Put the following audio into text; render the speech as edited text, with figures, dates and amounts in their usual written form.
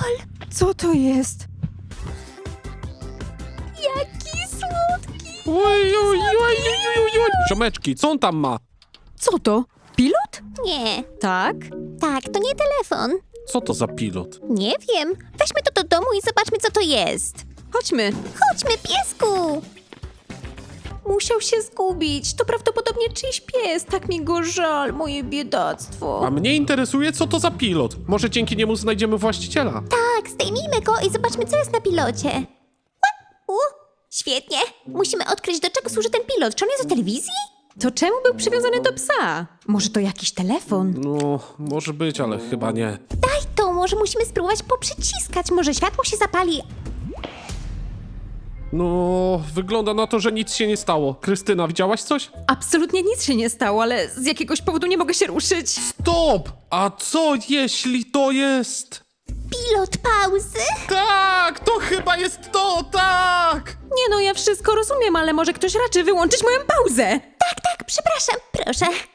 Joel, Co to jest? jaki słodki! Oj. Ziomeczki, co on tam ma? Co to? Pilot? Nie, Tak? tak, to nie telefon. Co to za pilot? Nie wiem. Weźmy to do domu i zobaczmy, co to jest. Chodźmy. Chodźmy, piesku! Musiał się zgubić. To prawdopodobnie czyjś pies. Tak mi go żal, moje biedactwo. A mnie interesuje, co to za pilot. Może dzięki niemu znajdziemy właściciela. Tak, zdejmijmy go i zobaczmy, co jest na pilocie. Świetnie. Musimy odkryć, do czego służy ten pilot. Czy on jest do telewizji? To czemu był przywiązany do psa? Może to jakiś telefon? No, może być, ale chyba nie. Daj to, może musimy spróbować poprzyciskać. Może światło się zapali. No, wygląda na to, że nic się nie stało. Krystyna, widziałaś coś? Absolutnie nic się nie stało, ale z jakiegoś powodu nie mogę się ruszyć. Stop! A co jeśli to jest... Pilot pauzy? Tak! To chyba jest to, tak! Nie no, ja wszystko rozumiem, ale może ktoś raczy wyłączyć moją pauzę. Tak, przepraszam, proszę.